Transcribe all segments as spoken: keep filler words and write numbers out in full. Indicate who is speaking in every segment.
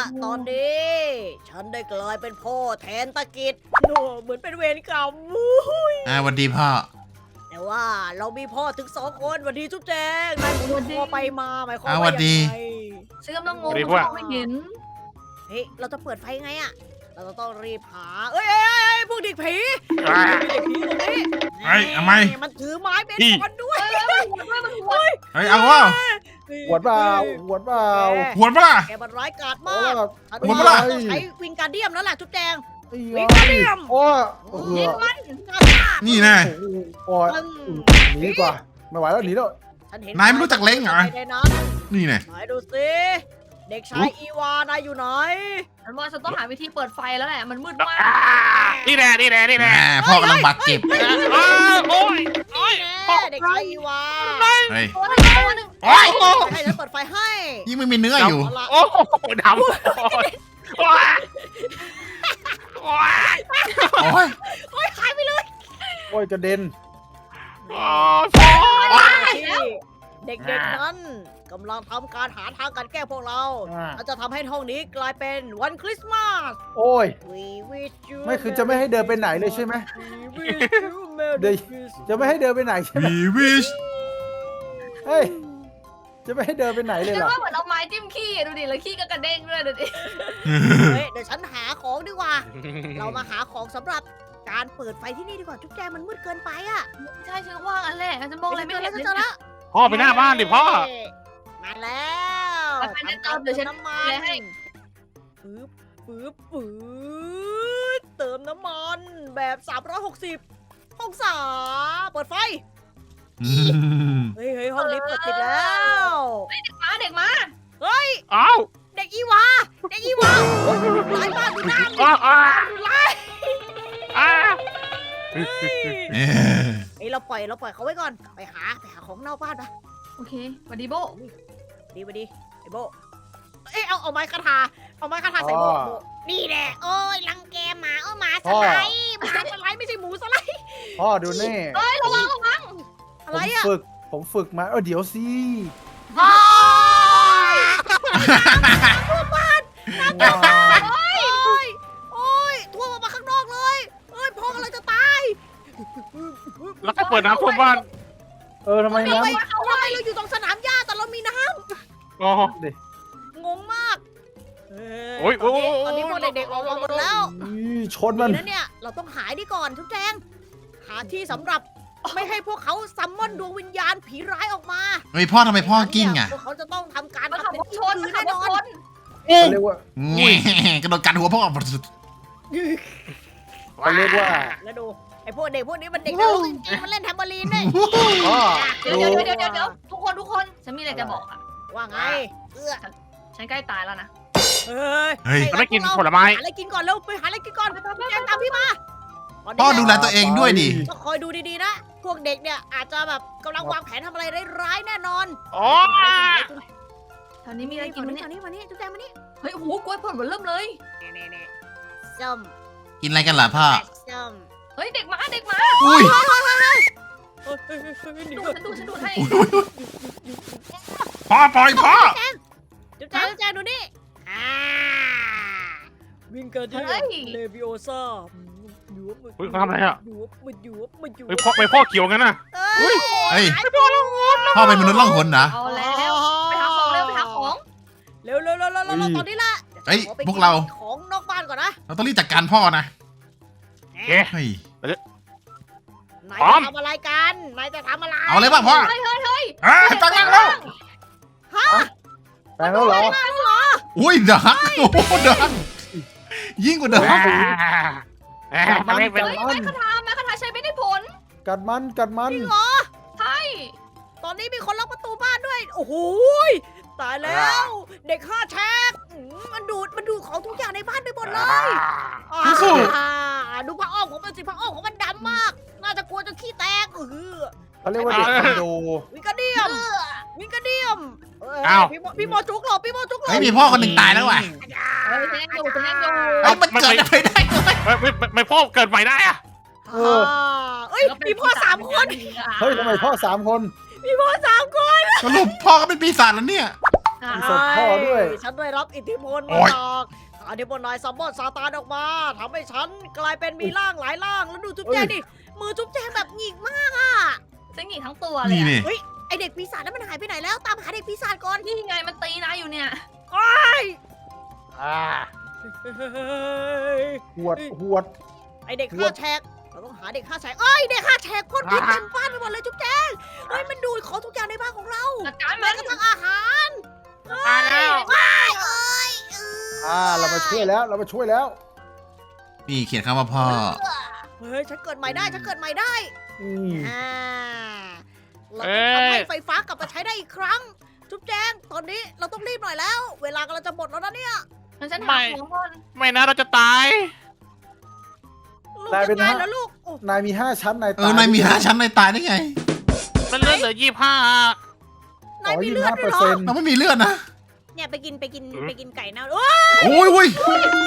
Speaker 1: ตอนนี้ฉันได้กลายเป็นพ่อแทนตะกิดโอ้เหมือนเป็นเวรกรรมวุ้ย
Speaker 2: อ่าสวัสดีพ่อ
Speaker 1: แต่ว่าเรามีพ่อถึงสองคนวันดีจุ๊บแจงนายหมุนคอไปมาหมายความ
Speaker 2: อ่า
Speaker 1: ว่า
Speaker 2: สวัสดี
Speaker 1: ยังไง
Speaker 3: ฉันกำลังงง
Speaker 4: สวัสดี
Speaker 3: ม
Speaker 4: พวก
Speaker 3: องไม่เห็น
Speaker 1: เฮ้ยเราจะเปิดไฟไงอะเราจะต้องรีบหาเอ้ยเอ้ยเอ้ยเอ้ยพวกเด็กผี
Speaker 4: อ่า
Speaker 1: เด็กผีตรงนี้
Speaker 2: เฮ้ยเอาไหม
Speaker 1: มันถือไม้เบส
Speaker 4: นี่
Speaker 1: บอลด้วย
Speaker 3: เฮ้ยเฮ้ยหัวด้วยมันหัว
Speaker 2: เฮ้ยเอาว่า
Speaker 5: หวดเปล่าหวดเปล่า
Speaker 2: หวนปะล่ะ
Speaker 1: แกมันร้ายกาจ
Speaker 5: เอา
Speaker 1: มาก
Speaker 5: ล่ะ
Speaker 1: ฉัน
Speaker 2: หัว
Speaker 1: ว่า
Speaker 2: ปะล่ะ
Speaker 1: ต้องใช้วิงการเดียมแล้วล่ะจุ๊บแจง
Speaker 5: นี่
Speaker 1: วิ่
Speaker 5: ไง
Speaker 1: งมาเดี่ยม
Speaker 5: โอ้โอ้โห
Speaker 1: ยิงมัน
Speaker 2: นี่แน่
Speaker 5: โอ้ยหนีดีกว่าไม่ไหวแล้วหนีแล้ว
Speaker 1: ฉันเห็น
Speaker 2: นายไม่รู้จักเล้งเหรอ
Speaker 1: ในนั้น
Speaker 2: นี่แน่
Speaker 1: ไหนดูสิเด็กชายอีวานายอยู่ไหน
Speaker 3: ฉันว่าฉันต้องหาวิธีเปิดไฟแล้วแหละ มันมืดมาก
Speaker 4: อ่านี่แน่นี่แน่นี่
Speaker 2: แหม
Speaker 4: แน่
Speaker 2: พ่อกำลังบาดเจ็บ
Speaker 4: อ้าวโอ้ยโอ้ย
Speaker 1: แน่เด็กชายอีวา
Speaker 2: เฮ้ย
Speaker 3: ตัวหนึงตัวหนึง
Speaker 2: โอ้ย
Speaker 1: ให้ฉันเปิดไฟให้
Speaker 2: ยิ่งไม่มีเนื้ออยู่
Speaker 1: เอาละ
Speaker 4: โอ้โหดำโอ้ยโอ้ยโอ้ย
Speaker 2: โอ้ย
Speaker 1: โอ้ยหายไปเลย
Speaker 5: โอ้ยกระเด็น
Speaker 4: โอ้ย
Speaker 1: เด็กๆนั้นกำลังทำการหาทางการแก้พวกเรา
Speaker 5: อ่า
Speaker 1: เราจะทำให้ห้องนี้กลายเป็นวันคริสต์มาส
Speaker 5: โอ้ย
Speaker 1: We wish you
Speaker 5: ไม่คือจะไม่ให้เดินไปไหนเลยใช่ไหม
Speaker 1: We wish you Merry
Speaker 5: เดี๋ยว
Speaker 1: Christmas
Speaker 5: จะไม่ให้เดินไปไหนใช่ไหม
Speaker 2: วีวิช
Speaker 5: เฮ้ยจะไม่ให้เดินไปไหนเลย
Speaker 3: ฉัน
Speaker 5: เหรอ
Speaker 3: ว่าเหมือนเอาไม้จิ้มขี้อะดูดิแล้วขี้ก็กระเด้งด้วยดูดิ
Speaker 1: เฮ้ยเดี๋ยวฉันหาของดีกว่า เรามาหาของสำหรับการเปิดไฟที่นี่ดีกว่าจุ๊บแจงมันมืดเกินไปอะ
Speaker 3: ใช่ฉันก็ว่างั้นแหละฉันมองอะไรไม่
Speaker 1: เจอ
Speaker 3: เห็
Speaker 1: แล้ว
Speaker 3: น
Speaker 1: เจอแล้ว
Speaker 4: พ่อไปหน้าบ้านดิพ่อ
Speaker 1: มาแล้ว
Speaker 3: ไปไปเติมเดี๋ยวฉัน
Speaker 1: น้ำมัน
Speaker 3: เลยให้
Speaker 1: ปึ๊บปึ๊บปึ๊บเติมน้ำมันแบบสามร้อยหกสิบองศาเปิดไฟ
Speaker 2: อืม
Speaker 1: เฮ้ยเฮ้ยห้องนี้เปิดติดแล้ว
Speaker 3: มาเด็กมา
Speaker 4: อ้าว
Speaker 1: เด็กอีวาเด็กอีวาโอ้ยร้ายมากดูหน้ามัน
Speaker 4: อ้าวอ้าว
Speaker 1: ดูร้าย
Speaker 4: อ้าว
Speaker 2: เอ้ย
Speaker 1: เฮ้ยเราปล่อยเราปล่อยเขาไว้ก่อนไปหาไปหาของนอกบ้านไป
Speaker 3: โอเคสวัสดีโบ
Speaker 1: ดีไปดีไอโบเอ้ยเอาเอาไม้คาถาเอาไม้คาถาใส่โบโบนี่แหละโอ้ยรังแกหมาเออหมาสไลด์หมาสไลด์ไม่ใช่หมูสไลด์
Speaker 5: พ่อดูนี่
Speaker 3: เฮ้ยระวังระวัง
Speaker 1: อะ
Speaker 5: ผ
Speaker 1: ไร
Speaker 5: ม
Speaker 1: อะ
Speaker 5: ฝึกผมฝึกมาเออเดี๋ยวสิ
Speaker 1: โอ้ย
Speaker 5: ว้าว
Speaker 1: โอ้ยโอ้ยทั่วออกมาข้างนอกเลยเอ้ยพ่อกำลังจะตาย
Speaker 4: แล้วก็เปิดน้ำท่วมบ้าน
Speaker 5: เออทำไม
Speaker 1: ทำไม
Speaker 5: น้ำ
Speaker 1: ทำไมเราอยู่ตรงสนามหญ้าแต่เรามีน้
Speaker 4: โอ้
Speaker 5: ดิ
Speaker 1: ำงงมากเ
Speaker 4: โอ้ย
Speaker 1: ตอนนี้
Speaker 4: โอ้ย
Speaker 1: ตอนนี้พวกเด็กๆออกมาหมดแล้ว
Speaker 5: นี่ชนมัน
Speaker 1: ดีนะเนี่ยเราต้องหายดีก่อนทุกแจงหาที่สำหรับไม่ให้พวกเขาซัมมอนดวงวิญญาณผีร้ายออกมา
Speaker 2: เฮ้ยพ่อทำไมพ่อกิ้งอ่ะ
Speaker 1: พวกเขาจะต้องทำการ
Speaker 3: มาขับ
Speaker 1: ทำ
Speaker 3: ร
Speaker 1: เป็น
Speaker 3: ถชน
Speaker 1: คื
Speaker 3: มาน ขั
Speaker 1: แน่
Speaker 3: บร
Speaker 1: น
Speaker 3: ถ
Speaker 1: อน
Speaker 3: ชน
Speaker 5: เขาเรียกว่า
Speaker 2: แง่กระโดดกัดหัวพ่อ
Speaker 5: เขาเรียกว่า
Speaker 1: แล้วดูไอ้พวกเด็กพวกนี้มันเด็กนรกจริงๆมันเล่นแทมเบอรีนด้วย
Speaker 5: พ่อ
Speaker 3: เดี๋ยว
Speaker 5: ดู
Speaker 3: เดี๋ยวเดี๋ยวเดี๋ยวเดี๋ยวทุกคนทุกคนฉันมีอะไรจะบอกอ่ะ
Speaker 1: ว่าไงเอื้อ
Speaker 3: ฉันใกล้ตายแล้วนะ
Speaker 1: เฮ้ย
Speaker 2: เฮ้ย
Speaker 4: จะไม่กินผลไม้
Speaker 1: หาอะไรกินก่อนเร็วไปหาอะไรกินก่อนแจงตามพี่มา
Speaker 2: พ่อดูแลตัวเองด้วยดิ
Speaker 1: ต้องคอยดูดีๆนะ พวกเด็กเนี่ยอาจจะแบบกำลังวางแผนทำอะไรร้ายๆแน่นอน
Speaker 4: โอ้ย
Speaker 3: แถวนี้มีอะไรกินไหม
Speaker 1: มา
Speaker 3: เนี่ย
Speaker 1: นี่มานี่จุ๊บแจงมานี่
Speaker 3: เฮ้ยโอ้โหกล้วยผลมันเริ่มเลย
Speaker 1: เน่ๆส้ม
Speaker 2: กินอะไรกันล่ะพ่อ
Speaker 1: แปดส้ม
Speaker 3: เฮ้ยเด็กมาเด็กมา
Speaker 2: อุ้ย
Speaker 3: ดูฉันดูฉันดูให้
Speaker 2: พ่อปล่อยพ่อ
Speaker 1: จุ๊บแจงจุ๊บแจงดูนี่อ่าวิงเกอร์ดิเลวิโอซ่า
Speaker 4: เฮ้ยเขาทำอะไรอ่ะ
Speaker 1: หยวบมันหยวบมันหยวบ
Speaker 4: เฮ้ยพ่อไปพ่อเขียวงั้นน่ะ
Speaker 1: เอ้ย
Speaker 2: เฮ้ยพ่อเป็นมนุษย์ล่องหนนะ
Speaker 3: เอาแล้วไปหาของเร็วไปหาของ
Speaker 1: เร็วเร็วเร็วเร็วเร็วตอนนี้ละ
Speaker 2: เฮ้ย
Speaker 1: ขอไป
Speaker 2: พวกเรา
Speaker 1: นของนอกบ้านก่อนนะ
Speaker 2: เราต้องรีบจัดการพ่อนะ
Speaker 4: เอ๊ะ
Speaker 2: เฮ้ย
Speaker 1: นาย
Speaker 4: พร้อม
Speaker 1: จะทำอะไรกันนายจะทำอะไร
Speaker 2: เอาเลยป่ะพ่อ
Speaker 3: เฮ้ยเฮ้ยเฮ้ย
Speaker 2: อ่าจังแล้วแล้ว
Speaker 1: ฮะ
Speaker 5: แปลงแล้วเหรอ
Speaker 2: อุ้ยดังโอ้โหดังยิ่งกว่าเดิม
Speaker 4: แหม่แหม่ทำไมเป็น
Speaker 3: เฮ้ยไม้คาถาไม้คาถาใช้ไม่ได้ผล
Speaker 5: กัดมันกัดมัน
Speaker 1: จริงเหรอ
Speaker 3: ใช่
Speaker 1: ตอนนี้มีคนล็อกประตูบ้านด้วย โอ้โหยตายแล้ว เด็กห้าแฉกอืมมันดูดมันดูดของทุกอย่างในบ้านไปหมดเลยอ่าดูผ้าอ้อมของมันสิผ้าอ้อมของมันดำมาก น่าจะกลัวจนขี้แตกเออ
Speaker 5: เขาเรียกว่าเด็กคอนโด
Speaker 1: วิงกระเดียมวิงกระเดียมเอ้ย
Speaker 4: อ้าว
Speaker 1: พี่โมพี่โมจุกหลบพี่โมจุกหลบ
Speaker 2: เฮ้ยมีพ่อคนหนึ่งตายแล้วว่ะ
Speaker 3: เฮ้ยฉันยังอยู่ฉันยังอยู่
Speaker 2: เฮ้ยมันเกิดอะไรได้ด้วย
Speaker 4: ไม่ไม่ไม่ไม่พ่อเกิดใหม่ได้อะ
Speaker 5: เออ
Speaker 1: เอ้ยมีพ่อสามคน
Speaker 5: เฮ้ยทำไมพ่อสามคน
Speaker 1: มีพ่อสามคน
Speaker 2: สรุปพ่อก็เป็นปีศาจแล้วเนี่ย
Speaker 5: มีศพพ่อด้วย
Speaker 1: ฉันได้รับอิทธิพล
Speaker 2: โอ๊
Speaker 1: มาย จากอาธิบนนายซัมมอนซาตานออกมาทำให้ฉันกลายเป็นมีร่างหลายร่างแล้วดูจุ๊บแจงดิมือจุ๊บแจงแบบหงิกมากอ่ะ
Speaker 3: ฉันหนีทั้งตัวเลย
Speaker 2: นี่
Speaker 3: อะ
Speaker 2: นี่
Speaker 1: เฮ้ยไอเด็กปีศาจนั้นมันหายไปไหนแล้วตามหาเด็กปีศาจก่อน
Speaker 3: นี่ไงมันตีนายอยู่เนี่ย
Speaker 4: อ่า
Speaker 5: หวดหวด
Speaker 1: ไอเด็กฆ่าแฉกเราต้องหาเด็กฆ่าแฉกเอ้ยเด็กฆ่าแฉกพ่นพิษเต็มบ้านไปหมดเลยจุ๊บแจงเฮ้ยมันดูดของทุกอย่างในบ้านของเรา
Speaker 3: จัดการ
Speaker 1: แม้
Speaker 3: มัน
Speaker 1: กระทั่งอาหาร
Speaker 4: มาแล้ว
Speaker 1: เอ้ยเอ้ยเอ้ย
Speaker 5: อ่าเรามาช่วยแล้วเรามาช่วยแล้ว
Speaker 2: นี่เขียนคำว่าพ่อ
Speaker 1: เฮ้ยฉันเกิดใหม่ได้ฉันเกิดใหม่ได้
Speaker 5: อืม
Speaker 1: อ่าเราต้องทำให้ไฟฟ้ากลับมาใช้ได้อีกครั้ง จุ๊บแจงตอนนี้เราต้องรีบหน่อยแล้ว เวลากำลังจะหมดแล้วนะเนี่ย
Speaker 3: งั้นฉันหาของก่อน
Speaker 4: ไม่นะเราจะตาย
Speaker 1: ลูกจะตายแล้วลูกโอ้
Speaker 5: นายมีห้าชั้นนาย
Speaker 2: เออนายมีห้าชั้นนายตายได้ไง
Speaker 4: มันเลือดเหลือยี่ห้าน
Speaker 1: ายมี
Speaker 5: ยี่
Speaker 1: เลือ
Speaker 5: ห้า
Speaker 1: ด
Speaker 5: เป
Speaker 1: ด้
Speaker 5: อ
Speaker 1: วย
Speaker 5: ร์
Speaker 1: เหรอ
Speaker 5: เซ็นต์
Speaker 2: เราไม่มีเลือดนะ
Speaker 1: เนี่ยไปกินไปกินไปกินไก่เน่าโอ้ย
Speaker 2: โอ้ยโอ้ย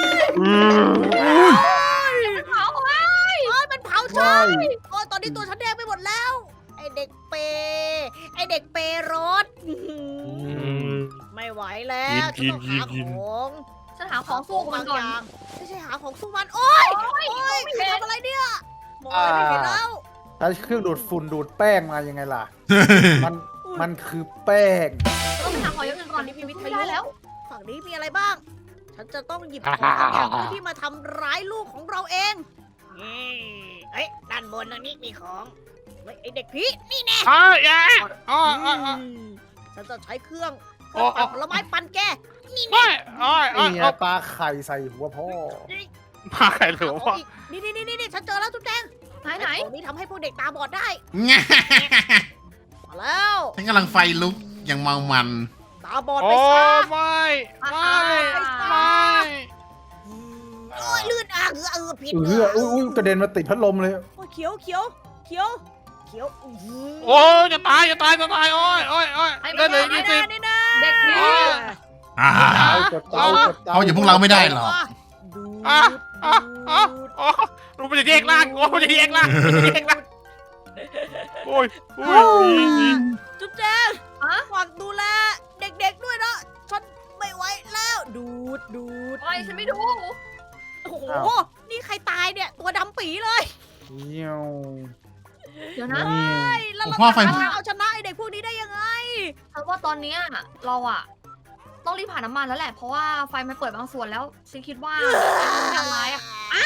Speaker 3: มันเผาไว้
Speaker 1: โอ้ยมันเผาฉันโอ้ยตอนนี้ตัวฉันแดงไปหมดแล้ว ไอเด็กเปย์ไอเด็กเปย์รถอื้อหือไม่ไหวแล้วฉันต้องหาของ
Speaker 3: ฉันหาของสู้กับมันก่อน
Speaker 1: างไม่ใช่หาของสู้มันโอ้ยโอ้ยคือทำอะไรเนี่ยมองอะไรไม่เห็นแล้ว
Speaker 5: ใช้เครื่องดูดฝุ่นดูดแป้งมายังไงล่ะ มันมันคือแป้ง
Speaker 3: ต้องไปหาของอย่างอื่นก่อน
Speaker 1: นี่มีวิท
Speaker 3: ไม่
Speaker 1: ยุ
Speaker 3: ได้แล้ว
Speaker 1: ฝั่งนี้มีอะไรบ้าง ฉันจะต้องหยิบของบางอย่างที่มาทำร้ายลูกของเราเองนี่เอ้ยด้านบนตรงนี้มีของเฮ้ยไอเด็กผีนี่แน่
Speaker 4: อ๋อยาอ๋ออ๋ออ๋อ
Speaker 1: ฉันจะใช้เครื่องเครื่องปั่นผลไม้ปั่นแกนี่
Speaker 4: โอ้
Speaker 1: แน่
Speaker 4: ยโอ้ยโอ้ย
Speaker 5: นี่ไง
Speaker 4: โอ้ย
Speaker 5: ปลาไข่ใส่หัวพ่อ
Speaker 4: มาใครหรือ
Speaker 1: เอา
Speaker 4: ว่า
Speaker 1: อีกนี่นี่นี่นี่ฉันเจอแล้วจุ๊บแจง
Speaker 3: ไหนไหน
Speaker 1: ตรงนี้ทำให้พวกเด็กตาบอดได้
Speaker 2: ง่ะ
Speaker 1: มาแล้ว
Speaker 2: ฉันกำลังไฟลุกอย่างเมามัน
Speaker 1: ตาบอด
Speaker 4: โอ้
Speaker 1: ไปซะ
Speaker 4: ไม่ไม่ไม่
Speaker 1: โอ้ยลื่นอ่ะเออเออผิด
Speaker 5: เอออุ้ยอุ้ยกระเด็นมาติดพัดลมเลย
Speaker 1: โอ้ยเขียวเขียวเขียวเขียวอื้อหือ
Speaker 4: โอ้ยจะตายจะตายจะตายโอ้ยโอ้ยโอ้ยได้เลย
Speaker 1: นี่
Speaker 4: ยี่
Speaker 1: นะ
Speaker 4: สิบ
Speaker 1: นี่นะ
Speaker 3: เด็กผี
Speaker 2: อ่า
Speaker 5: เอากดเตากดเตา
Speaker 2: เอาอย่างพวกเราไม่ได้หรอก
Speaker 1: ดู
Speaker 4: อ่ะ
Speaker 1: ด
Speaker 4: อ่ะอ่ะ
Speaker 1: ดูด
Speaker 4: โอ้รู้มันจะแยกล่างโอ้มันจะแยกล่างมันจะแยกล่างโอ้ยโอ้ย
Speaker 1: จุ๊บแจง
Speaker 3: อะ
Speaker 1: ฝากดูแลเด็กๆด้วยนะฉันไม่ไหวแล้ว ดูดดูด
Speaker 3: อะไรฉันไม่ดู
Speaker 1: โอ้โหนี่ใครตายเนี่ยตัวดำปีเลย
Speaker 5: เงี้ยว
Speaker 3: เดี๋ยวนะ
Speaker 5: นี่
Speaker 1: เฮ้ยแล้วเรา
Speaker 2: พ่อไฟ
Speaker 1: จะเอาชนะไอเด็กพวกนี้ได้ยังไง
Speaker 3: ฉันว่าตอนเนี้ยเราอะต้องรีบผ่านน้ำมันแล้วแหละ เพราะว่าไฟมันเปิดบางส่วนแล้วฉันคิดว่ามันยังร้ายอะอ้าว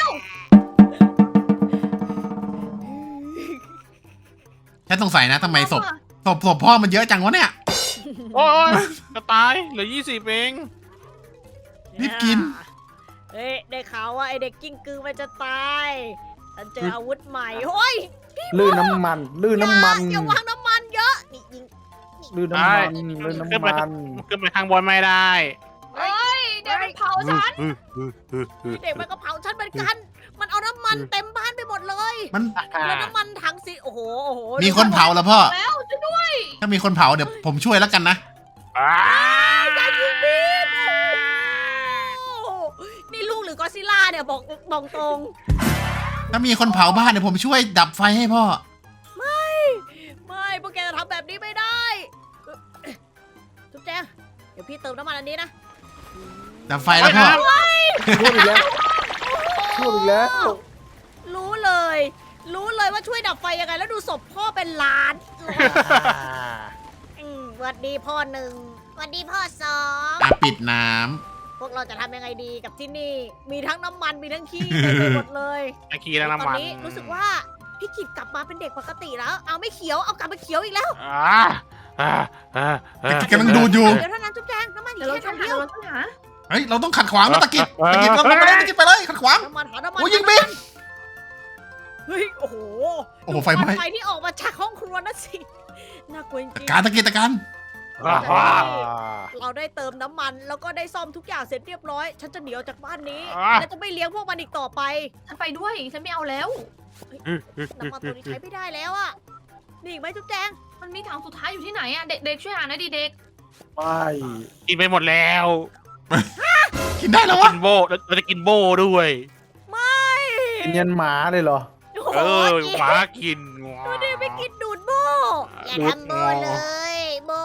Speaker 2: ฉันสงสัยนะทำไมศพศพศพพ่อมันเยอะจังวะเนี่ย
Speaker 4: โอ้ยจะตายเหลือยี่สิบเอง
Speaker 2: รีบกิน
Speaker 1: เฮ้ยได้ข่าวว่าไอเด็กกิ้งกือมันจะตายฉันเจออาวุธใหม่เฮ้ย
Speaker 5: ลื่นน้ำมัน ลื่นน้ำมัน
Speaker 1: อย่าอย่าวางน้ำมันเยอะนี่ยิง
Speaker 5: ลื่นน้ำมันลื่นน้ำมัน
Speaker 4: ขึ้นไปทางบนไม่ได้
Speaker 3: เฮ้ยเดี๋ยวมันเผาฉัน
Speaker 1: เด็กมันก็เผาฉันเหมือนกัน มันเอาน้ำมันเต็มบ้านไปหมดเลย
Speaker 2: มัน
Speaker 1: แล้วน้ำมันถังสีโอ้โหโอ้โห
Speaker 2: มีคนเผาแล้วพ่อ
Speaker 3: แล้วช่วยด้วย
Speaker 2: ถ้ามีคนเผาเดี๋ยวผมช่วยแล้วกันนะ
Speaker 1: อย่ายิงดิโอ้โหนี่ลูกหรือกอดซิลล่าเนี่ยบอกบอกตรง
Speaker 2: ถ้ามีคนเผาบ้านเดี๋ยวผมช่วยดับไฟให้พ่อ
Speaker 1: ไม่พวกแกจะทำแบบนี้ไม่ได้จุ๊บแจงเดี๋ยวพี่เติมน้ำมันอันนี้นะ
Speaker 2: ดับไฟแล้วพ่อ
Speaker 5: ช่วยอีกแล้วช่วยอีกแล้ว
Speaker 1: รู้เลย รู้เลยว่าช่วยดับไฟยังไง แล้วดูศพพ่อเป็นล้านอืมสวัสดีพ่อหนึ่งสวัสดีพ่อสอง
Speaker 2: อ่ะปิดน้
Speaker 1: พวกเราจะทำยังไงดีกับที่นี่ มีทั้งน้ำมันมีทั้งขี้เต็มไปหมดเลย
Speaker 4: ตะกี้แล้ว
Speaker 1: ตอน
Speaker 4: น้ำมัน
Speaker 1: นี้รู้สึกว่าพี่กิจกลับมาเป็นเด็กปกติแล้ว เอาไม่เขียวเอากลับมาเขียวอีกแล้ว
Speaker 4: อ่าอ่าอ่า
Speaker 2: ำตะกิดกำลังดูดอยู่
Speaker 1: เดี๋ยวเท่านั้นจุ๊บแจงน้ำมันอ
Speaker 3: เดี๋
Speaker 1: ยู่
Speaker 3: ยวเรา
Speaker 1: แค่
Speaker 3: ช่วย
Speaker 1: ถัง
Speaker 3: หา
Speaker 1: เดียว
Speaker 3: เราช่วยหา
Speaker 2: เฮ้ย เราต้องขัดขวางนะตะกิดตะกิดเราไปเลยตะกิดไปเลยขัดขวาง
Speaker 1: น้ำมันหาน้ำมัน
Speaker 2: โอ้ยยิงบิ๊ก
Speaker 1: เฮ้ยโอ้โห
Speaker 2: โอ้โหไฟไหม้
Speaker 1: ไฟที่ออกมาจากห้องครัวนั่นสิน่ากลัวจริงๆ
Speaker 2: การตะกิดตะการ
Speaker 4: อ่า
Speaker 5: อ่า
Speaker 1: เราได้เติมน้ำมันแล้วก็ได้ซ่อมทุกอย่างเสร็จเรียบร้อย ฉันจะหนีออกจากบ้านนี้
Speaker 4: อ่า
Speaker 1: และจะไม่เลี้ยงพวกมันอีกต่อไป
Speaker 3: ฉันไปด้วย ฉันไม่เอาแล้ว
Speaker 1: น้ำมันตัวนี้ใช้ไม่ได้แล้วอะนี่อีกไหมจุ๊บแจง
Speaker 3: มันมีถังสุดท้ายอยู่ที่ไหนอะเด็กๆช่วยหาหน่อยดิเด็ก
Speaker 5: ไม่
Speaker 4: กินไปหมดแล้ว
Speaker 2: กินได้แล้ววะ
Speaker 4: กินโบเราจะกินโบด้วย
Speaker 1: ไม่
Speaker 5: กินยันหมาเลยเหรอ
Speaker 1: โอ้โห
Speaker 4: เออ
Speaker 1: กิน
Speaker 4: หมากิน
Speaker 1: ดูดิไปกินดูดโบอย่าทำโบเลยโบ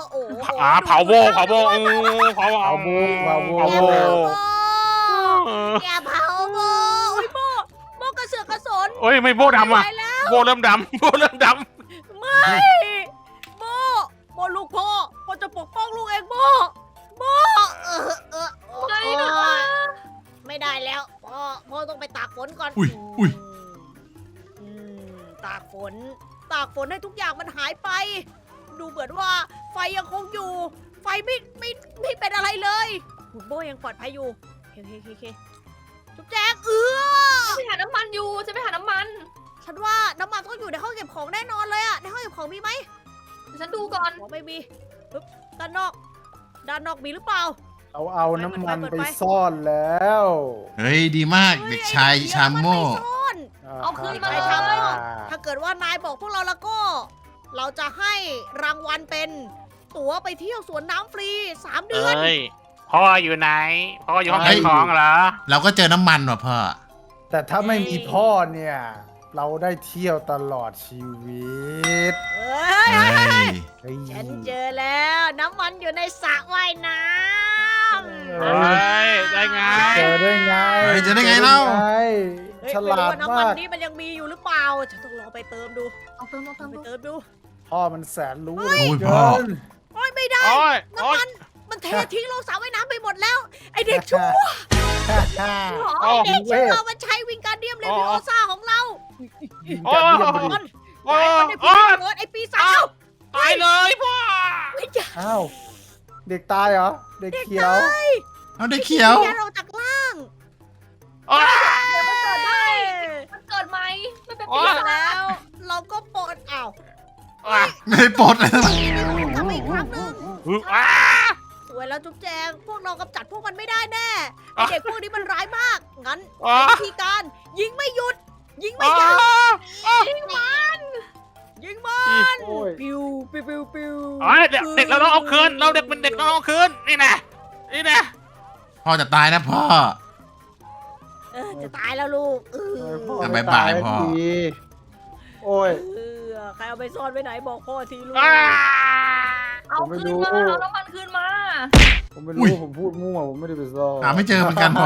Speaker 1: โอ้โห
Speaker 4: อ่าเผาโบเผาโบเออเผา
Speaker 5: เอา
Speaker 4: เอา
Speaker 5: โบเผาโบ
Speaker 4: เผา
Speaker 1: แก
Speaker 4: โบ
Speaker 1: เผาโบ
Speaker 4: เออ
Speaker 1: แกเผาโบโอ้ยโบโบกระเสือกกระสน
Speaker 4: เอ้ยไม่โบดำอ่ะ
Speaker 1: ไปแล้ว
Speaker 4: โบเริ่มดำโบเริ่มด
Speaker 1: ไม่โบโบลูกพ่อพ่อจะปกป้องลูกเองโบโบเออเออเออ
Speaker 3: ไม่
Speaker 1: เอ
Speaker 3: นะ
Speaker 1: อไม่ได้แล้วพ่อพ่อต้องไปตากฝนก่อน
Speaker 2: อุ้ยอุ้ย
Speaker 1: อืมตากฝน ตากฝนให้ทุกอย่างมันหายไป ดูเหมือนว่าไฟยังคงอยู่ ไฟไม่ไม่ไม่เป็นอะไรเลยคุณโบยังปลอดภัยอยู่โอเคโอเคโอเคจุ๊บแจ๊กเอื้อ
Speaker 3: ไปหาน้ำมันอยู่จะไปหาน้ำมัน
Speaker 1: ฉันว่าน้ำมันต้องอยู่ในห้องเก็บของแน่นอนเลยอะในห้องเก็บของมีไหม
Speaker 3: เดี๋ยวฉันดูก่อน
Speaker 1: ของไม่มีปึ๊บด้านนอก ด้านนอกมีหรือเปล่า
Speaker 5: เอาเอาน้ำมัน
Speaker 1: เปิด
Speaker 5: ไป
Speaker 1: ไฟ
Speaker 5: ซ่อนแล้ว
Speaker 2: เฮ้ยดีมากเด็กชายชามโม่
Speaker 1: เฮ้ยไอ้เด็กเหี้ยมันไม่ซ่อน
Speaker 3: เอาคืนมา
Speaker 1: ไป
Speaker 3: เลย
Speaker 1: ทำ ถ้าเกิดว่านายบอกพวกเราแล้วก็ เราจะให้รางวัลเป็น ตั๋วไปเที่ยวสวนน้ำฟรีสาม
Speaker 4: ำ
Speaker 1: เดือน
Speaker 4: เอ้ยพ่ออยู่ไหนพ่ออยู่ห้องเก็บของเหรอ
Speaker 2: เราก็เจอน้ำมันว่ะพ่อ
Speaker 5: แต่ถ้าไม่มีพ่อเนี่ย เราได้เที่ยวตลอดชีวิต
Speaker 1: เฮ้ย
Speaker 2: เฮ้ย
Speaker 5: เฮ้ย
Speaker 1: ฉันเจอแล้ว น้ำมันอยู่ในสระว่ายน้ำ
Speaker 4: เฮ้ยได้ไง
Speaker 5: เจอได้ไง
Speaker 2: เฮ้ยเจอได้ไงเล่า
Speaker 5: จอได้ไง
Speaker 1: เฮ้ย
Speaker 5: ฉ
Speaker 1: ไม่
Speaker 5: ลา
Speaker 1: รู้
Speaker 5: ด
Speaker 1: ว่าน้ำมั
Speaker 5: มาน ก
Speaker 1: นี้มันยังมีอยู่หรือเปล่า ฉันต้องลองไปเติมดู
Speaker 3: เอาเติมเอาเติม
Speaker 1: ไป
Speaker 3: ดู
Speaker 1: เติมดู
Speaker 5: พ่อมันแสนรู้
Speaker 1: เฮ้ย
Speaker 5: เหลื
Speaker 2: โอ้ย
Speaker 5: เกิ
Speaker 2: พ่อ
Speaker 5: น
Speaker 1: โอ้ยไม่ได้
Speaker 4: โอ้ยโอ้
Speaker 1: น้ำ
Speaker 4: ย
Speaker 1: มัน มันเททิ้งลงสระว่ายน้ำไปหมดแล้ว ไอเด็กชั่ว
Speaker 4: โอ้
Speaker 1: เด็กชั่วมันใช้วิงการเดียมเลวิโอซ่าของเรา
Speaker 4: โอ้ย
Speaker 1: มัน
Speaker 4: โอ้
Speaker 1: ไอ้
Speaker 4: ย
Speaker 1: มันได้
Speaker 4: โอ้
Speaker 1: พิษ
Speaker 4: ย
Speaker 1: เกิดไอปีศาจ
Speaker 4: ตายเลยพ่อ
Speaker 1: ไม่ใช่
Speaker 5: อ้าวเด็กตายเหรอ เด็กเขียว
Speaker 2: เอาได้เขียว
Speaker 1: แกเราจากล่าง
Speaker 4: โอ้ย
Speaker 1: เดี๋ยวมันเกิดได้
Speaker 3: มันเกิดไหมไม่เป็น
Speaker 4: โอ๊
Speaker 3: ปี
Speaker 4: ย
Speaker 3: ศาจ
Speaker 1: แล้ว เราก็ปลดอ้าว
Speaker 4: อ่ะ
Speaker 2: ไม่ได้ปลดเลย
Speaker 1: กลับมาอีกครั้งหนึ่ง
Speaker 4: อ่ะ
Speaker 1: สวยแล้วจุ๊บแจง พวกเรากำจัดพวกมันไม่ได้แน่
Speaker 4: อ่ะ
Speaker 1: เด็กพวกนี้มันร้ายมาก งั้น
Speaker 4: อ่ะ
Speaker 1: วิธีการ ยิงไม่หยุด ยิงไม่
Speaker 4: อ่ะ
Speaker 1: หยุด
Speaker 4: อ่ะ
Speaker 1: ยิงมันยิงมัน
Speaker 5: โอ้ย
Speaker 1: ปิวปิวปิวปิว
Speaker 4: อ๋อเด็กเด็กเราต้องเอาคืนเราเด็กเป็นเด็กเราต้องเอาคืนนี่นะนี่นะ
Speaker 2: พ่อจะตายนะพ่อ
Speaker 1: เออจะตายแล้วลูกเออ
Speaker 5: โอ้ยพ่อ
Speaker 2: อ่ะ
Speaker 5: ไม่
Speaker 2: บ๊ายบาย
Speaker 5: ต
Speaker 2: พ่อ
Speaker 5: ทีโอ้ย
Speaker 1: เออใครเอาไปซ่อนไว้ไหนบอกพ่อทีลูก
Speaker 4: อ่ะ
Speaker 3: เอา
Speaker 5: ผมไม่
Speaker 3: คืน
Speaker 5: รู้
Speaker 3: มาเอาน้ำมันคืนมา
Speaker 5: ผมไม่
Speaker 2: อุ้
Speaker 5: รู้
Speaker 2: ย
Speaker 5: ผมพูดมั่วผมไม่ได้ไปซ่อน
Speaker 2: หาไม่เจอเหมือนกันพ่อ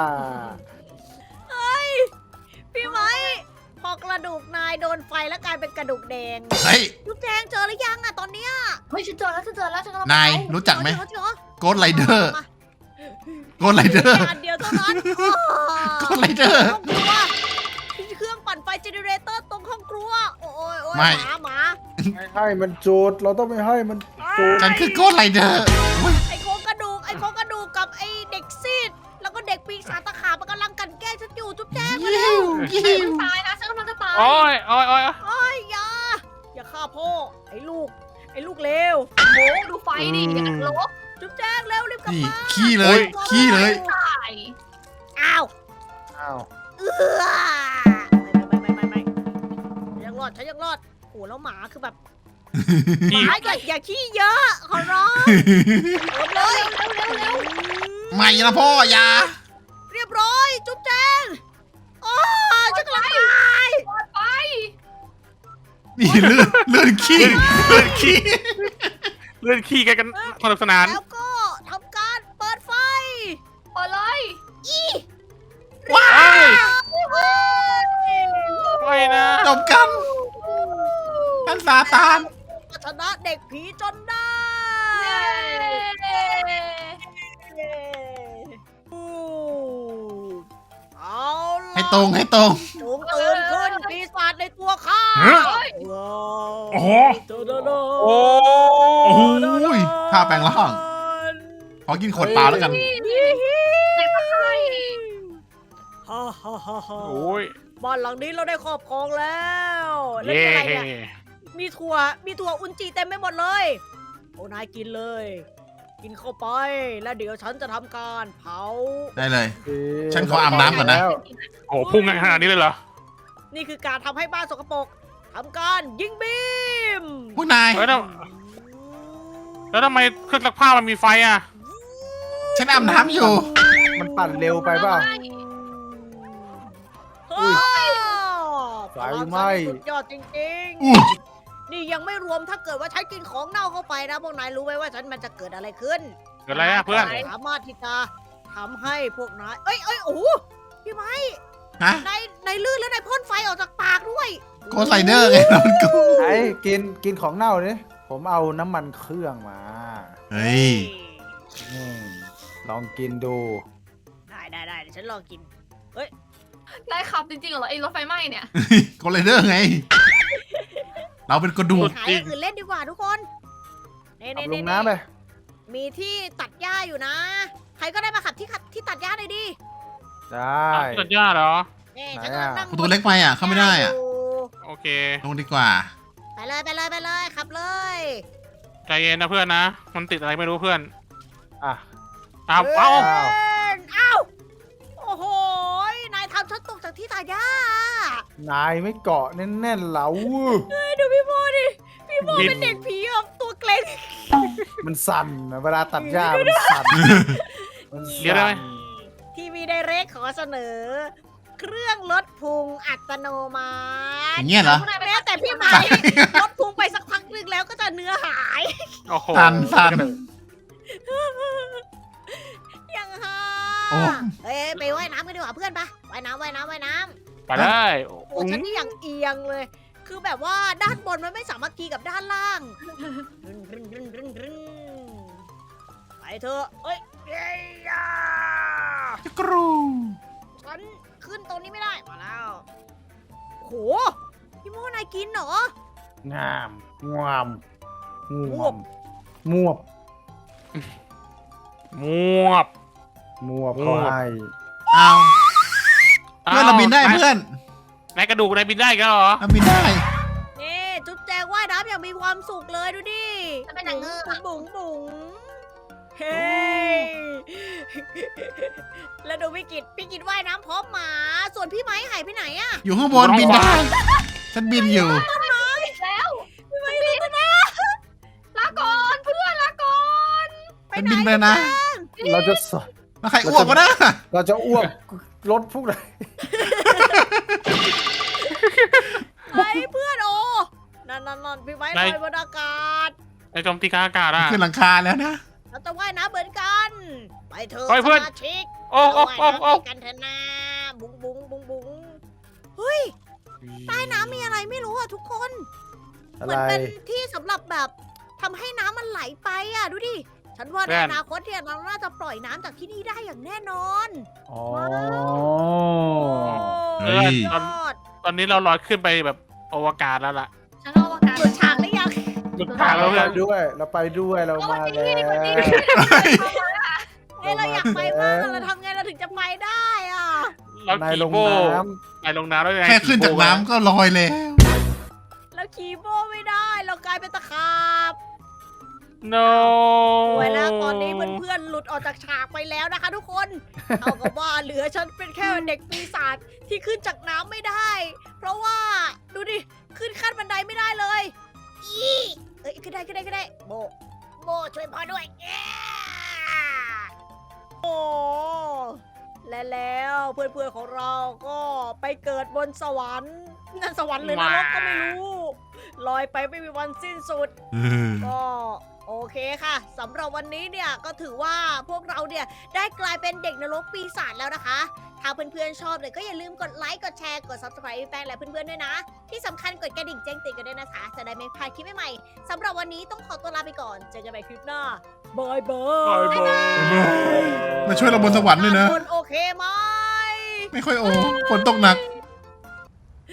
Speaker 1: พี่ไม้พอกระดูกนายโดนไฟแล้วกลายเป็นกระดูกแดง
Speaker 2: เฮ้ย
Speaker 1: ลูกแจงเจอหรือยังอะตอนเนี้ย
Speaker 3: เฮ้ยฉันเจอแล้วฉันเจอแล้วฉันกำลัง
Speaker 2: นาย
Speaker 3: ไป
Speaker 2: รู้จักไหม
Speaker 1: เจอเจอ
Speaker 2: โกดไรเดอร์โกดไรเดอร์
Speaker 1: อันเดียวเท่านั้น
Speaker 2: โกดไรเดอร์
Speaker 1: ห้องครัวเครื่องปั่นไฟเจเนเรเตอร์ตรงห้องครัว โอ้ยโอ้ย
Speaker 2: ไม่
Speaker 1: หมาหมา
Speaker 5: ไม่ให้มันจุดเราต้องไม่ให้มันจุด
Speaker 2: ฉันคือโกดไรเดอร์
Speaker 1: ไอ้โครงกระดูกไอ้โครงกระดูกกับไอ้เด็กซีดแล้วก็เด็กปีศาจตะขาบมันกำลังกลันแกล้งฉันอยู่จุ๊บแจ๊กมาเร็ว
Speaker 3: ฉันกำลังตายนะฉันกำลังจะตาย
Speaker 4: โอ้ยโอ้ยโอ้ย
Speaker 1: โอ้ยอย่าอย่าฆ่าพ่อไอ้ลูก ไอ้ลูกเลว
Speaker 3: โอ้โหดูไฟดิอย่างนั้นลบ
Speaker 1: จุ๊บแจ๊กเร็วรีบกลับ
Speaker 2: นี่
Speaker 1: มา
Speaker 2: ขี้เลย ขี้เลย
Speaker 3: ตาย
Speaker 1: อ้าว
Speaker 5: อ้าว
Speaker 1: เอื้อไม่ไม่ไม่ไม่ไม่ฉันยังรอดฉันยังรอดโอ้แล้วหมาคือแบบหมาอย่าอย่าขี้เยอะขอร้องเร็วเลยเร็วเร็วเร็ว
Speaker 2: ไม่นะพ่ออย่า
Speaker 1: เรียบร้อยจุ๊บแจงโอ้ฉันกำลังตาย
Speaker 3: ปลอดไป
Speaker 2: นี่เลื่อนเลื่อนขี้เลื่อนขี้
Speaker 4: เลื่อนขี้กันกันสนุกสนาน
Speaker 1: แล้วก็ทำการเปิดไฟ
Speaker 3: เปิดเลย
Speaker 2: ว้า
Speaker 4: เฮ้ยไม่นะ
Speaker 2: จบกันท่านซาตาน
Speaker 1: ชนะเด็กผีจนได้
Speaker 3: เย้
Speaker 1: อู้เอาล่ะ
Speaker 2: ให้ตรงให้ตรง
Speaker 1: จงตื่นขึ้นปีศาจในตัวข้า
Speaker 2: เฮ้ย
Speaker 3: เฮ้ย
Speaker 1: ว้าว
Speaker 2: โอ้โห
Speaker 1: โดโดโด
Speaker 4: โอ้
Speaker 2: โอ้โหท่าแปลงร่าง ขอกินขวดเปล่าแล้วกัน
Speaker 3: เด็กตาย
Speaker 1: ฮ่าฮ่าฮ่าฮ่า
Speaker 4: โอ้ย
Speaker 1: บ้านหลังนี้เราได้ครอบครองแล้วแล้ว
Speaker 4: เย่
Speaker 1: นี่อะไรเนี่ยมีถั่วมีถั่วอุนจิเต็มไปหมดเลยโอ้นายกินเลย กินเข้าไปแล้วเดี๋ยวฉันจะทำการเผา
Speaker 2: ได้เลย
Speaker 5: โอเค
Speaker 2: ฉันขออาบน้ำก่อนนะ
Speaker 5: แล้ว
Speaker 4: โอ้โหพุ่งขนาดนี้เลยเหรอ
Speaker 1: นี่คือการทำให้บ้านสกปรกทำการยิงบีม
Speaker 2: ผู้นาย
Speaker 4: เฮ้ยแล้วแล้วทำไมเครื่องซักผ้ามันมีไฟอ่ะ
Speaker 2: ฉันอาบน้ำอยู่
Speaker 5: มันปั่นเร็วไปเปล่า
Speaker 1: เฮ้ย
Speaker 5: ไฟไหม้
Speaker 1: สุดยอดจริง
Speaker 2: อู้
Speaker 1: ๆนี่ยังไม่รวมถ้าเกิดว่าฉันกินของเน่าเข้าไปนะพวกนายรู้ไหมว่าฉันมันจะเกิดอะไรขึ้น
Speaker 4: เกิดอะไรอะเพื่อน
Speaker 1: สามารถที่จะทำให้พวกนาย เอ้ยเอ้ยโอ้โหพี่ไม้
Speaker 2: ฮะ
Speaker 1: นายนายลื่นแล้วนายพ่นไฟออกจากปากด้วย
Speaker 2: โกไซเดอร์ไงมันกู
Speaker 5: ไอ้กินกินของเน่าเนี่ยผมเอาน้ำมันเครื่องมา
Speaker 2: เฮ้ย
Speaker 5: อืมลองกินดู
Speaker 1: ได้ได้ได้เดี๋ยวฉันลองกิน
Speaker 3: นายขับจริงๆเหรอไอ้รถไฟไหม้เนี่ย
Speaker 2: โกไซเดอร์ไง เราเป็นกระดูก
Speaker 1: หาอย่างอื่นเล่นดีกว่าทุกคนเน่
Speaker 5: เอา
Speaker 1: เน่
Speaker 5: ล
Speaker 1: เน่
Speaker 5: งน้ำเลย
Speaker 1: มีที่ตัดหญ้าอยู่นะ ใครก็ได้มาขับที่ขับที่ตัดหญ้าหน่อยดิ
Speaker 5: ได้
Speaker 4: ตัดหญ้าเหรอ
Speaker 1: เน่
Speaker 5: ไหน
Speaker 1: ฉันกำลัง
Speaker 5: อะ
Speaker 1: นั่ง
Speaker 2: ประตูเล็กไปอ่ะ เข้าไม่ได้อ่ะ
Speaker 1: ยู่
Speaker 4: โอเค
Speaker 2: ลงดีกว่า
Speaker 1: ไปเลยไปเลยไปเลยขับเลย
Speaker 4: ใจเย็นนะเพื่อนนะ มันติดอะไรไม่รู้เพื่อน
Speaker 5: อ่ะ
Speaker 4: อ้าวเอ้า
Speaker 1: เอ้ยเอ้าโอ้โหนายทำฉันตกจากที่ตัดหญ้าน
Speaker 5: ายไม่เกาะแน่นๆเหลา
Speaker 1: เฮ้ยดูพี่โมดิพี่โม
Speaker 4: บิน
Speaker 1: เป็นเด็กผีแบบตัวเกร็ง
Speaker 5: มันสั่นนะเวลาตัดหญ้ามันสั่นมัน
Speaker 4: เดี๋ยวได้
Speaker 5: สั่
Speaker 4: ไหม
Speaker 5: น
Speaker 1: ทีวีไดเรกขอเสนอ เครื่องลดพุงอัตโนมัติ
Speaker 2: อย่างเงี้ยเหรอ
Speaker 1: แม้แต่พี่ไหมลดพุงไปสักพักหนึงแล้วก็จะเนื้อหาย
Speaker 4: โอ้โห
Speaker 2: สั่นสั่น
Speaker 1: ยังฮะ
Speaker 2: โอ้
Speaker 1: เอ้ยไปว่ายน้ำกันดีกว่าเพื่อนปะว่ายน้ำว่ายน้ำว่ายน้
Speaker 4: ไปได้
Speaker 1: ำโอ้ฉันนี่อย่างเอียงเลย คือแบบว่าด้านบนมันไม่สามัคคีกับด้านล่างรึนรึนรึนรึนรึนไปเถอะเอ้ยเย้ยา
Speaker 2: จะกรู
Speaker 1: ฉันขึ้นตรงนี้ไม่ได้ มาแล้วโหพี่โมนายกินเหรอ
Speaker 5: งามงามง
Speaker 1: ง
Speaker 5: ว
Speaker 1: ว
Speaker 5: ม
Speaker 1: บ
Speaker 5: มวบ
Speaker 4: มวบ
Speaker 5: มวบ
Speaker 4: มวบ
Speaker 5: เขาให้
Speaker 2: เอาเพื่อนเราบินได้เพื่อน
Speaker 4: นายกระดูกนายบินได้กันเหรอ
Speaker 2: เราบินได้
Speaker 1: นี่จุ๊บแจงว่ายน้ำอย่างมีความสุขเลยดูดิ
Speaker 3: ฉันเป็นนางเงือก
Speaker 1: บุ๋งบุ๋งเฮ้ยแล้วดูพี่กิตพี่กิตว่ายน้ำพร้อมหมา ส่วนพี่ไม้หายไปไหนอะ
Speaker 2: อยู่ข้างบนบินได้ ฉันบินอยู่
Speaker 3: แล้ว
Speaker 1: พี่ไม้รู้นะ
Speaker 3: ลาก่อนเพื่อนลาก่อน
Speaker 2: ฉันบินไปนะ
Speaker 5: เราจะส
Speaker 2: แล้วใครอ้วกวะนะ
Speaker 5: เราจะอ้วกรถพวกไหน
Speaker 1: ไอ้เพื่อนโอนั่นนั่นนั่นพี่ไม้ลอยบนอากาศ
Speaker 4: นายโจมตีกลางอากาศอ่ะ
Speaker 2: ขึ้นหลังคาแล้วนะ
Speaker 1: เราจะว่ายน้ำเหมือนกัน ไปเถอะ
Speaker 4: ไปเพื่อน
Speaker 1: สมาชิก
Speaker 4: โอ้โอ้
Speaker 1: เรา
Speaker 4: โอ้
Speaker 1: ว่าย
Speaker 4: โอ้
Speaker 1: น้ำด้วยกันเถอะนะบุ้งบุ้งบุ้งบุ้งเฮ้ยใต้น้ำมีอะไรไม่รู้อะทุกคน
Speaker 5: อะ
Speaker 1: เห
Speaker 5: ไร
Speaker 1: มือนเป็นที่สำหรับแบบทำให้น้ำมันไหลไปอ่ะดูดิ ฉันว่าในอนาคตเนี่ยเราน่าจะปล่อยน้ำจากที่นี่ได้อย่างแน่นอน
Speaker 5: อ๋อ
Speaker 2: เฮ้ย
Speaker 1: ยอด
Speaker 4: ตอนนี้เราลอยขึ้นไปแบบอวกาศแล้วล่ะ
Speaker 3: ฉันเอาอากาศ
Speaker 1: หลุดฉากหรือยัง
Speaker 4: หลุดทางแล้ว
Speaker 5: เรา
Speaker 4: เพื่อน
Speaker 5: ไปด้วย เราไปด้วยเรามาแล้ว
Speaker 1: เอ้ยเราอยากไปมากอะเราทำไงเราถึงจะไปได้อ่ะ
Speaker 4: เรา
Speaker 5: นาย
Speaker 4: ขี่
Speaker 5: ลง
Speaker 4: โบ้
Speaker 5: น้
Speaker 4: นายลงน้ำแล้วนาย
Speaker 2: แค่ขึ้นจาก
Speaker 4: ขี่โบ้
Speaker 2: น้ำก็ลอยแล้ว
Speaker 1: เราขี่โบไม่ได้ เรากลายเป็นตะขาบ
Speaker 4: โน
Speaker 1: ไว้แล้วตอนนี้เพื่อนๆหลุดออกจากฉากไปแล้วนะคะทุกคนเอากับว่าเหลือฉันเป็นแค่เด็กปีศาจที่ขึ้นจากน้ำไม่ได้ เพราะว่าดูดิขึ้นขั้นบันไดไม่ได้เลยอีเอ้ยขึ้นได้ขึ้นได้ขึ้นได้โบโบช่วยพ่อด้วยเย้โอ้และแล้วเพื่อนๆของเราก็ไปเกิดบนสวรรค์นั่นสวรรค์หรือนรกก็ไม่รู้ลอยไปไม่มีวันสิ้นสุด
Speaker 2: เออ
Speaker 1: ก็โอเคค่ะสำหรับวันนี้เนี่ยก็ถือว่าพวกเราเนี่ยได้กลายเป็นเด็กนรกปีศาจแล้วนะคะ ถ้าเพื่อนๆชอบเนี่ยก็อย่าลืมกดไลค์กดแชร์กด ซับสไครบ์ ให้แป้งและเพื่อนๆด้วยนะ ที่สำคัญกดกระดิ่งแจ้งเตือนกันด้วยนะคะ จะได้ไม่พลาดคลิปใหม่ๆสำหรับวันนี้ต้องขอตัวลาไปก่อนเจอกันใหม่คลิปหน้าบายบา
Speaker 4: บาย
Speaker 1: ย
Speaker 4: บาย
Speaker 2: มาช่วยเราบนสวรรค์ด้วยนะ
Speaker 1: คนโอเคไหม
Speaker 2: ไม่ค่อยโอ้ฝนตกหนัก